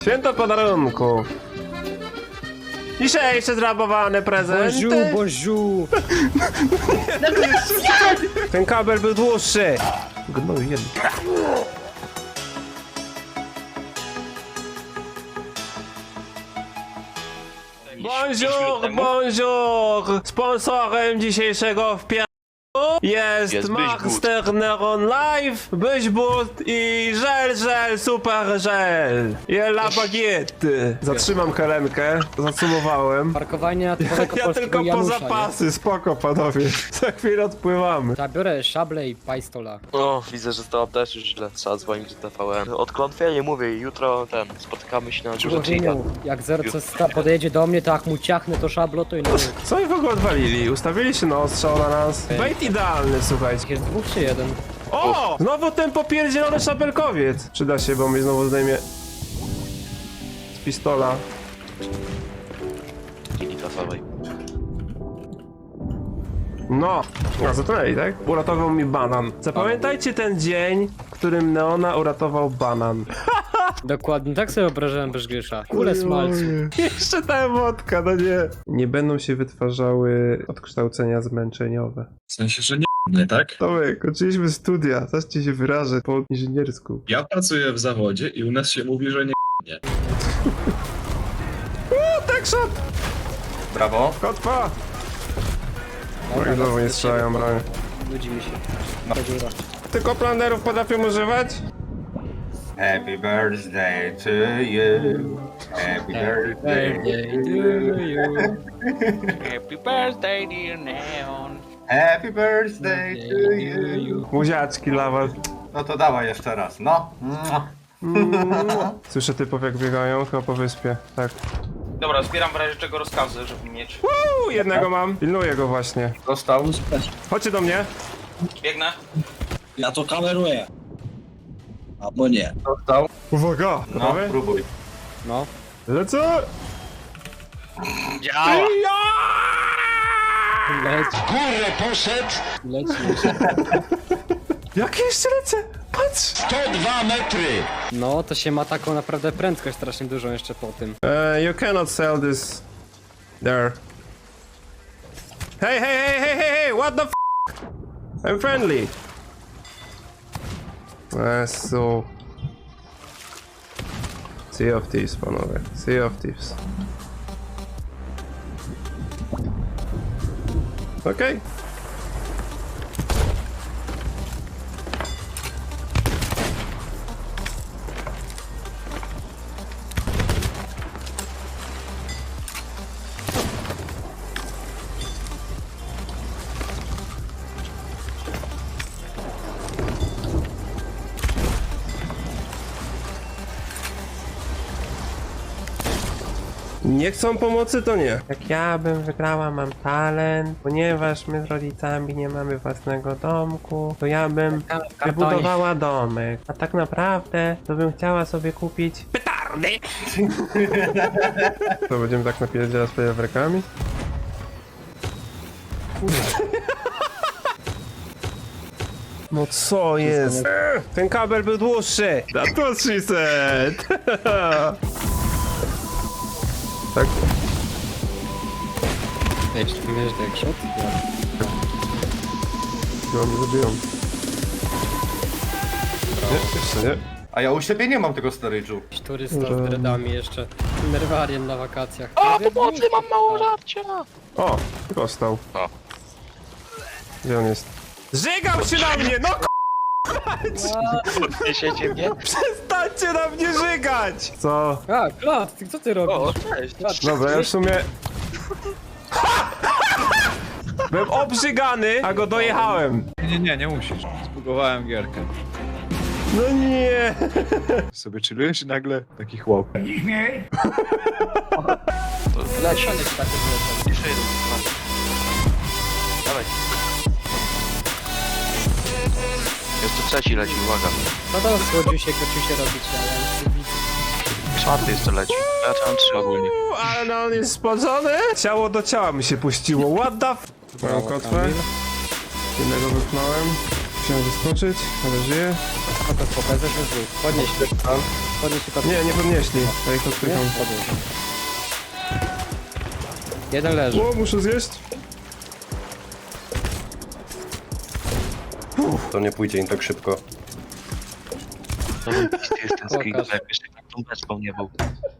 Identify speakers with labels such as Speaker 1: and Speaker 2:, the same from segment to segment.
Speaker 1: Święto podarunków. Dzisiejsze zrabowane prezenty.
Speaker 2: Boziu, boziu.
Speaker 1: Ten kabel był dłuższy. Gnoj jeden. Bonjour, bonjour! Sponsorem dzisiejszego wpiadu jest Master Neuron Live, Byśbut i żel, super żel. I la baguette. Zatrzymam Helenkę, zacumowałem.
Speaker 2: Parkowanie typowego
Speaker 1: Ja
Speaker 2: polskiego
Speaker 1: tylko po
Speaker 2: Janusza,
Speaker 1: zapasy, spoko panowie. Za chwilę odpływamy.
Speaker 2: Zabiorę szable i pajstola.
Speaker 3: O, widzę, że to też już źle. Trzeba dzwonić do TVN. Od klątwie mówię, jutro spotykamy się na górze Chica.
Speaker 2: Człowieku, jak Zercosta podjedzie do mnie, to jak mu ciachnę to szablo, to i no.
Speaker 1: Co oni w ogóle odwalili? Ustawili się na ostrzał na nas. Bait idealny, słuchajcie.
Speaker 2: Jest dwóch czy jeden?
Speaker 1: O! Znowu ten popierdzielony szabelkowiec. Przyda się, bo mnie znowu zdejmie z pistola.
Speaker 3: Linii trasowej.
Speaker 1: No, a zatonęli, tak? Uratował mi banan. Zapamiętajcie ten dzień, w którym Neona uratował banan.
Speaker 2: Dokładnie, tak sobie wyobrażałem bez Grzysza. Kule smalcu.
Speaker 1: Jeszcze ta emotka, no nie. Nie będą się wytwarzały odkształcenia zmęczeniowe.
Speaker 4: W sensie, że nie, tak?
Speaker 1: Tomek, kończyliśmy studia, zaraz ci się wyrażę po inżyniersku.
Speaker 4: Ja pracuję w zawodzie i u nas się mówi, że nie.
Speaker 1: Tak shot!
Speaker 5: Brawo.
Speaker 1: Kotwa! Oj, znowu nie strzelają broń.
Speaker 2: Nudzi mi się. Ta dziura.
Speaker 1: Tylko planerów potrafią używać?
Speaker 5: Happy birthday to you. Happy birthday.
Speaker 2: Birthday to you.
Speaker 6: Happy birthday, dear Neon.
Speaker 5: Happy birthday to you.
Speaker 1: Buziaczki dla was.
Speaker 5: No to dawaj jeszcze raz, no.
Speaker 1: Słyszę typów jak biegają, chyba po wyspie. Tak.
Speaker 6: Dobra, zbieram w razie czego rozkazy, żeby mieć.
Speaker 1: Jednego mam. Pilnuję go właśnie.
Speaker 5: Dostał.
Speaker 1: Chodźcie do mnie.
Speaker 6: Biegnę.
Speaker 7: Ja to kameruję. Albo nie.
Speaker 5: Dostał.
Speaker 1: Uwaga!
Speaker 5: No,
Speaker 1: Gotowy?
Speaker 5: próbuj.
Speaker 2: No.
Speaker 1: Lecę!
Speaker 6: Działa!
Speaker 2: Leć. Kurę, poszedł. Leci.
Speaker 1: Jak jeszcze lecę? Patrz!
Speaker 2: No, to się ma taką naprawdę prędkość strasznie dużą jeszcze po tym.
Speaker 1: You cannot sell this there. Hey, what the f***? I'm friendly. So... Sea of Thieves, panowie. Sea of Thieves. Okej. Nie chcą pomocy, to nie. Jak ja bym wygrała, mam talent, ponieważ my z rodzicami nie mamy własnego domku, to ja bym wybudowała domek. A tak naprawdę, to bym chciała sobie kupić petardy. To będziemy tak napierdzielać z fajerwerkami? No co jest? Ten kabel był dłuższy. That was she said. Tak.
Speaker 2: Wiesz, jak shot?
Speaker 1: No, nie zabiją. Nie, jeszcze nie.
Speaker 5: A ja u siebie nie mam tego storage'u.
Speaker 2: Jakiś turysta z dreadami jeszcze. Nerwariem na wakacjach.
Speaker 3: O, pomocy, mam mało żarcia!
Speaker 1: O, dostał.
Speaker 3: O.
Speaker 1: Gdzie on jest? Żygał się na mnie, no
Speaker 3: Podniesiecie mnie?
Speaker 1: przestańcie na mnie żygać! Co?
Speaker 2: A, Klat, co ty robisz?
Speaker 3: O, cześć.
Speaker 2: Klat,
Speaker 1: Dobra, ja w sumie... Byłem obrzygany, a go dojechałem.
Speaker 8: Nie musisz. Zbugowałem gierkę.
Speaker 1: No nie.
Speaker 8: Sobie chillujesz i nagle taki chłop.
Speaker 2: leci. Tak,
Speaker 3: Jeszcze jeden. No. Dawaj. Jeszcze trzeci leci, uwaga.
Speaker 2: No to słodziusie, kociusie robić, ale...
Speaker 3: Czwarty jeszcze leci. Ja tam trzy ogólnie.
Speaker 1: Ale no on jest spodzony. Ciało do ciała mi się puściło, what the f... Mam kotwę. Jednego wypchnąłem. Musiałem wyskoczyć, ale żyję.
Speaker 2: Spoko, spoko, jesteśmy z dwóch. Podnieś tylko...
Speaker 1: Nie podnieśli. Ja ich
Speaker 2: Nie?
Speaker 1: odpycham.
Speaker 2: Podnieś. Jeden leży.
Speaker 1: O, muszę zjeść.
Speaker 5: To nie pójdzie im tak szybko.
Speaker 3: To jest ten screen,
Speaker 2: Pokaż.
Speaker 3: jak jeszcze tą beczką nie był.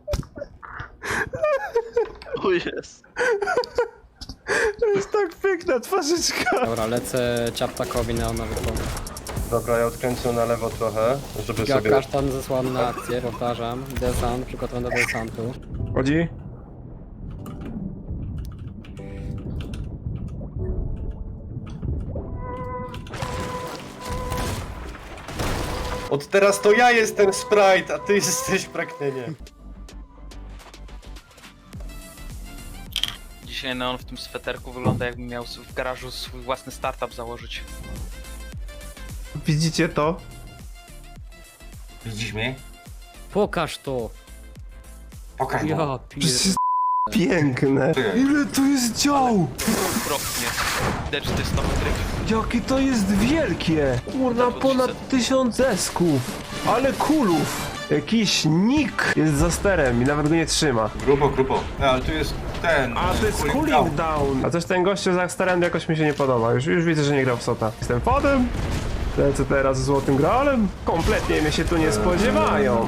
Speaker 3: O jest.
Speaker 1: To jest tak piękna twarzyczka.
Speaker 2: Dobra, lecę ciaptakowi na nowy pomysł.
Speaker 5: Dobra, ja odkręcę na lewo trochę, żeby sobie...
Speaker 2: Kasztan zesłany na akcję, powtarzam. Desant, przygotowany do desantu.
Speaker 1: Chodzi?
Speaker 5: Od teraz to ja jestem Sprite, a ty jesteś pragnieniem.
Speaker 6: Dzisiaj Neon w tym sweterku wygląda jakby miał w garażu swój własny startup założyć.
Speaker 1: Widzicie to?
Speaker 5: Widzisz mnie?
Speaker 2: Pokaż to!
Speaker 5: Pokaż
Speaker 2: Ja
Speaker 5: mu.
Speaker 1: Przecież jest piękne. Ile tu jest dział?
Speaker 6: Okropnie. Widać, że to jest nowy tryb.
Speaker 1: Jakie to jest wielkie! Kurna, ponad 1000 esków! Ale kulów! Jakiś nick jest za sterem i nawet go nie trzyma.
Speaker 5: Grubo. Ale tu jest ten...
Speaker 1: A to jest cooling down! A coś ten gościu za sterem jakoś mi się nie podoba. Już widzę, że nie grał w Sota. Jestem fodem? Lecę teraz z Złotym Graalem? Kompletnie mnie się tu nie spodziewają.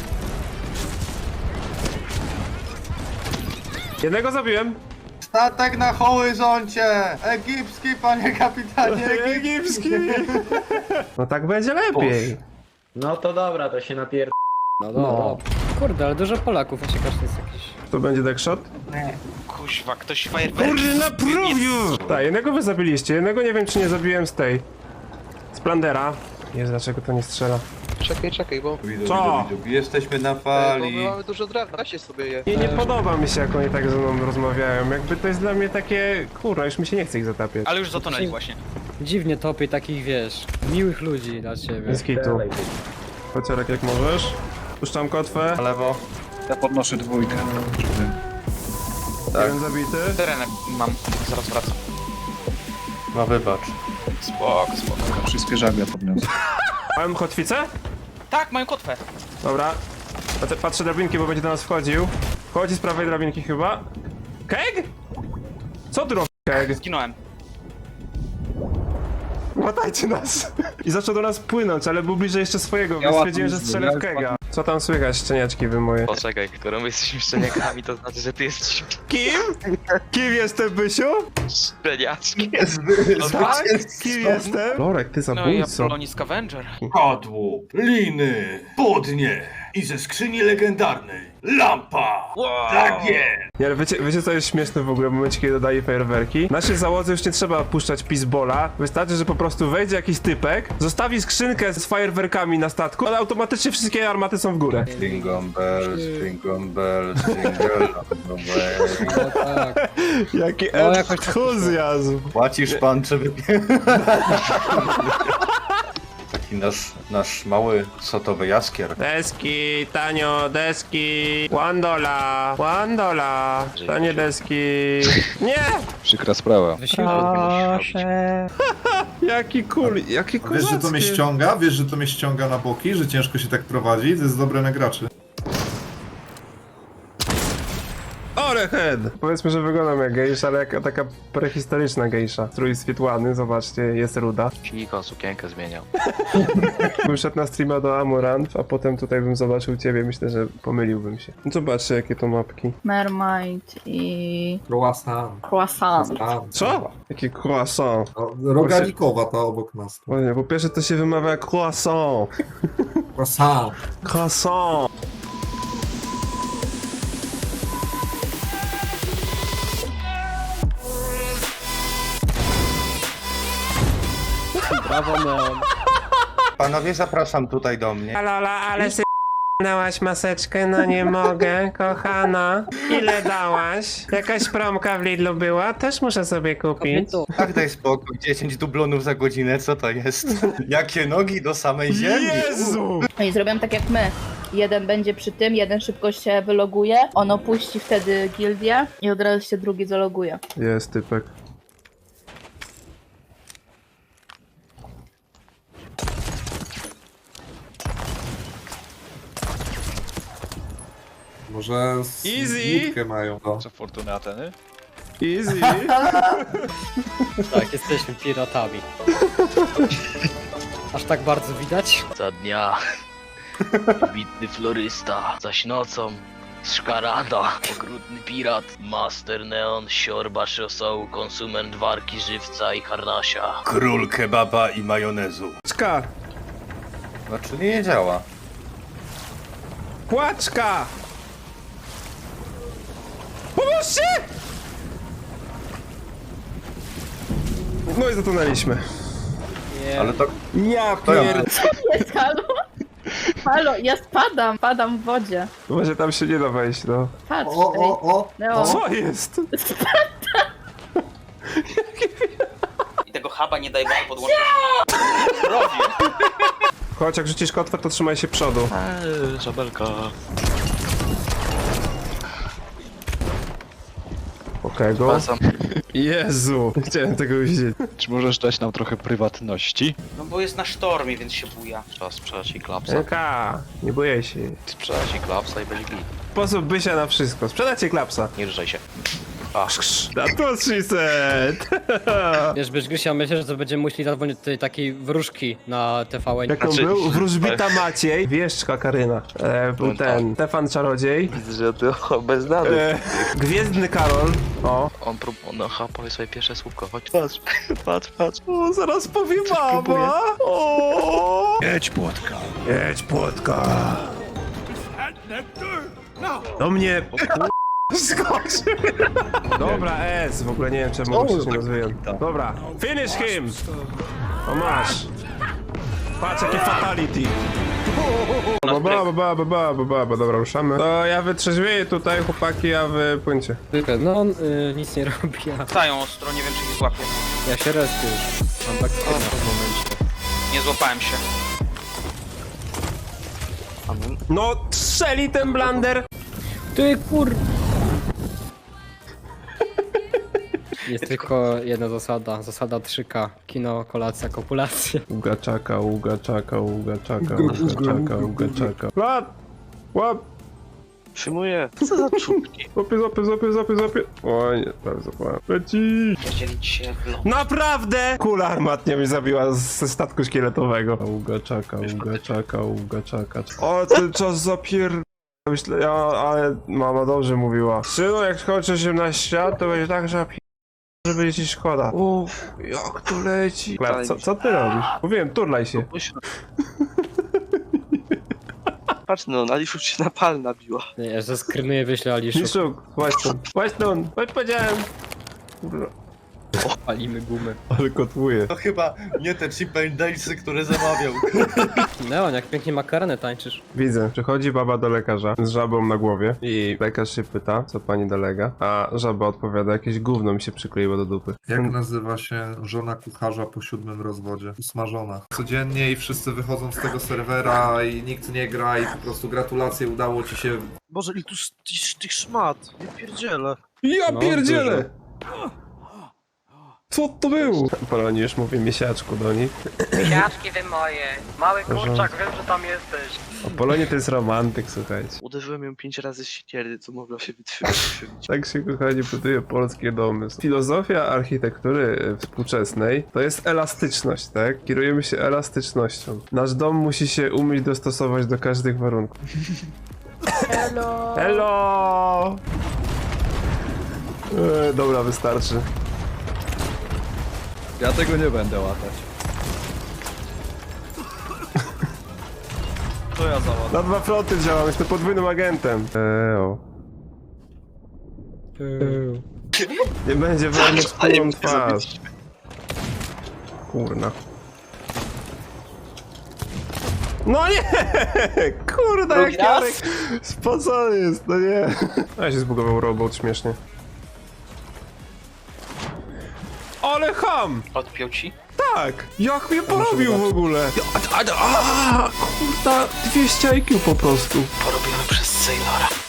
Speaker 1: Jednego zabiłem.
Speaker 5: Statek na horyzoncie! Egipski, panie kapitanie, egipski!
Speaker 1: No tak będzie lepiej.
Speaker 9: No to dobra, to się napier...
Speaker 2: No dobra. Kurde, ale dużo Polaków, a się każdy jest jakiś...
Speaker 1: To będzie deckshot?
Speaker 6: Kuźwa, ktoś fajerwerki...
Speaker 1: Kurde, naprawił! Tak, jednego wy zabiliście, jednego nie wiem czy nie zabiłem z tej... Splandera. Jezu, dlaczego to nie strzela?
Speaker 3: Czekaj, bo...
Speaker 1: Co?
Speaker 5: Jesteśmy na fali.
Speaker 3: mamy dużo drewna, się sobie je.
Speaker 1: Nie podoba mi się jak oni tak ze mną rozmawiają, jakby to jest dla mnie takie... Kurwa, już mi się nie chce ich zatapiać.
Speaker 6: Ale już zatonęli właśnie.
Speaker 2: Dziwnie topię takich, wiesz, miłych ludzi dla ciebie.
Speaker 1: Bez kitu. Kociarek jak możesz. Puszczam kotwę.
Speaker 5: Na lewo.
Speaker 8: Ja podnoszę dwójkę.
Speaker 1: Jeden zabity.
Speaker 6: Terenek mam, zaraz wracam.
Speaker 5: No wybacz.
Speaker 6: Spoko.
Speaker 8: Wszystkie żagle podniosę.
Speaker 1: Mam kotwicę?
Speaker 6: Tak, mają kotwę.
Speaker 1: Dobra. Patrzę drabinki, bo będzie do nas wchodził. Wchodzi z prawej drabinki chyba. Keg? Co tu robi Keg?
Speaker 6: Zginąłem.
Speaker 1: Łatajcie nas! I zaczął do nas płynąć, ale był bliżej jeszcze swojego,
Speaker 8: Ja
Speaker 1: więc
Speaker 8: łatam
Speaker 1: stwierdziłem, że
Speaker 8: z
Speaker 1: strzelę w
Speaker 8: nim,
Speaker 1: Kega. Co tam słychać, szczeniaczki wy moje?
Speaker 3: Poczekaj, skoro my jesteśmy szczeniakami, to znaczy, że ty jesteś
Speaker 1: Kim? Kim jestem, Bysiu?
Speaker 3: szczeniaczkiem.
Speaker 1: Tak? Kim jestem? Lorek, ty
Speaker 6: No i
Speaker 1: zabójco.
Speaker 6: Apollonis Scavenger.
Speaker 5: Kadłub, liny, podnie i ze skrzyni legendarnej lampa. Tak jest!
Speaker 1: Nie, ale wiecie co jest śmieszne w ogóle w momencie, kiedy dodaje fajerwerki? Naszej załodze już nie trzeba puszczać pisbola, wystarczy, że po prostu wejdzie jakiś typek, zostawi skrzynkę z fajerwerkami na statku, ale automatycznie wszystkie armaty są w górę.
Speaker 5: Jingle bells, jingle bells, jingle all the way.
Speaker 2: No tak.
Speaker 1: Jaki
Speaker 2: jakoś tak
Speaker 1: entuzjazm!
Speaker 5: Płacisz pan, czy wypie... Taki nasz mały sotowy jaskier.
Speaker 1: Deski, tanio, deski, $1, tanie deski. Nie!
Speaker 8: Przykra sprawa.
Speaker 2: Wysiłek.
Speaker 1: Jaki cool, jaki
Speaker 10: Wiesz, że to mnie
Speaker 1: kozacki.
Speaker 10: ściąga? Wiesz, że to mnie ściąga na boki? Że ciężko się tak prowadzi? To jest dobre na graczy.
Speaker 1: Orehead! Powiedzmy, że wyglądam jak gejsza, ale jak taka prehistoryczna gejsza. Strój świetlany, zobaczcie, jest ruda.
Speaker 3: Kiko sukienkę zmieniał.
Speaker 1: Bym szedł na streama do Amorant, a potem tutaj bym zobaczył ciebie, myślę, że pomyliłbym się. No zobaczcie, jakie to mapki.
Speaker 9: Mermaid i...
Speaker 10: Croissant.
Speaker 9: Croissant.
Speaker 1: Co? Jakie croissant.
Speaker 10: Rogalikowa ta obok nas.
Speaker 1: Ładnie, po pierwsze to się wymawia jak croissant.
Speaker 10: Croissant.
Speaker 1: Croissant.
Speaker 2: Brawo, Neon.
Speaker 5: Panowie, zapraszam tutaj do mnie.
Speaker 1: Lola, ale sy... dałaś maseczkę? No nie mogę, kochana. Ile dałaś? Jakaś promka w Lidlu była? Też muszę sobie kupić.
Speaker 2: Kobieto.
Speaker 5: Tak, daj spokój, 10 dublonów za godzinę, co to jest? Jakie nogi do samej ziemi?
Speaker 1: Jezu!
Speaker 9: No i zrobią tak jak my. Jeden będzie przy tym, jeden szybko się wyloguje, on opuści wtedy gildię i od razu się drugi zaloguje.
Speaker 1: Jest typek.
Speaker 10: Może
Speaker 1: Easy.
Speaker 10: łódkę mają. No.
Speaker 8: Co fortuny Ateny?
Speaker 1: Easy.
Speaker 2: Tak, jesteśmy piratami. Aż tak bardzo widać?
Speaker 3: Za dnia wybitny florysta, zaś nocą szkarada, okrutny pirat, master neon, siorba szosołu, konsument warki żywca i harnasia.
Speaker 11: Król kebaba i majonezu.
Speaker 1: Płaczka!
Speaker 5: No czyli nie działa.
Speaker 1: Płaczka! Pomóżcie! No i zatonęliśmy.
Speaker 2: Nie.
Speaker 5: Ale to
Speaker 1: Ja
Speaker 5: To ja.
Speaker 1: pierd...
Speaker 9: Jest, halo? Halo, ja padam w wodzie.
Speaker 1: Może tam się nie da wejść, no.
Speaker 9: Patrz,
Speaker 10: O!
Speaker 9: Neo.
Speaker 1: Co jest?
Speaker 6: I tego huba nie daj wam podłączyć.
Speaker 1: Chodź, jak rzucisz kotwę, to trzymaj się przodu.
Speaker 3: Żabelka.
Speaker 1: Okej, go. Jezu, nie chciałem tego widzieć.
Speaker 8: Czy możesz dać nam trochę prywatności?
Speaker 6: No bo jest na sztormie, więc się buja.
Speaker 3: Trzeba sprzedać jej klapsa.
Speaker 1: Enka, nie boję się.
Speaker 3: Sprzedać jej klapsa i będzie git.
Speaker 1: Sposób bysia na wszystko. Sprzedajcie klapsa.
Speaker 3: Nie ruszaj się.
Speaker 1: That was she said.
Speaker 2: Wiesz, Grysia, myślę, że będziemy musieli zadzwonić do tej takiej wróżki na TVN.
Speaker 1: Jak on
Speaker 3: Znaczy-
Speaker 1: był? Wróżbita Maciej, wieszczka Karyna. Był ten Stefan Czarodziej.
Speaker 3: Widzę, że to bez nadu.
Speaker 1: Gwiezdny Karol. O.
Speaker 3: On powie swoje pierwsze słówko. Chodź, patrz, patrz, patrz.
Speaker 1: O, zaraz powie mama. O.
Speaker 11: Jedź płotka.
Speaker 1: Jedź płotka. Do mnie. Skoczył. Dobra, S. W ogóle nie wiem, czemu się nie rozwijam. Dobra, finish him. O, masz. Patrz, jakie fatality. Dobra, ruszamy. To ja wytrzeźwieję tutaj, chłopaki, a wy płyńcie.
Speaker 2: No on nic nie robi, a
Speaker 6: Stają ostro, nie wiem czy ich złapię.
Speaker 2: ja się respię już. Mam backspina w tym momencie.
Speaker 6: Nie złapałem się.
Speaker 1: No, strzeli ten blander.
Speaker 2: Ty kur... Jest tylko jedna zasada. Zasada 3K. Kino, kolacja, kopulacja.
Speaker 1: Ugaczaka. Łap! Łap!
Speaker 3: Przyjmuję. Co za czubki?
Speaker 1: Złapie. O nie, prawie złapałem. Leci!
Speaker 6: Dzielić się w lot.
Speaker 1: Naprawdę! Kula armatnia mnie zabiła ze statku szkieletowego. Ugaczaka. O, ten czas zapier... Myślę, ale mama dobrze mówiła. Synu, jak skończy 18 lat, to będzie tak, że będzie ci szkoda. Uff, jak to leci. Co ty robisz? Mówiłem, turlaj się.
Speaker 3: Patrz no, na Liszu się na pal nabiła.
Speaker 2: Nie, ja że skrynuję, wyślę Aliszu.
Speaker 1: Miszuk, chodź stąd, chodź powiedziałem. Kurwa.
Speaker 2: Palimy gumy.
Speaker 1: Ale kotwuje.
Speaker 5: to chyba nie te Chip and Dalesy, które zamawiał.
Speaker 2: Leon, jak pięknie makarenę tańczysz.
Speaker 1: Widzę, przychodzi baba do lekarza z żabą na głowie i lekarz się pyta, co pani dolega, a żaba odpowiada, jakieś gówno mi się przykleiło do dupy.
Speaker 10: Jak nazywa się żona kucharza po 7 rozwodzie? Usmażona. Codziennie i wszyscy wychodzą z tego serwera i nikt nie gra i po prostu gratulacje, udało ci się.
Speaker 11: Boże, ile tu tych szmat. Nie pierdzielę.
Speaker 1: Ja
Speaker 2: No,
Speaker 1: pierdzielę! Co to było? Poloni już mówi miesiaczku do nich.
Speaker 2: Miesiaczki wy moje. Mały kurczak, wiem, że tam jesteś.
Speaker 1: O, Polonie to jest romantyk, słuchajcie.
Speaker 3: Uderzyłem ją 5 razy z siekiery, co mogła się wytrzymać.
Speaker 1: Tak się, kochani, buduje polskie domy. Filozofia architektury współczesnej to jest elastyczność, tak? Kierujemy się elastycznością. Nasz dom musi się umieć dostosować do każdych warunków.
Speaker 9: Hello.
Speaker 1: Hello! Dobra, wystarczy.
Speaker 8: Ja tego nie będę łatać.
Speaker 11: To ja załadę.
Speaker 1: Na dwa fronty działam, jestem podwójnym agentem. Nie będzie wojny z kulą twarz. Kurna. No nie! Kurda, jak Jarek spocony jest, no nie. A się zbugował robot śmiesznie. Ale ham!
Speaker 6: Odpiął ci?
Speaker 1: Tak! Jak mnie porobił w ogóle? Kurda, 200 IQ po prostu.
Speaker 6: Porobiony przez Sailora.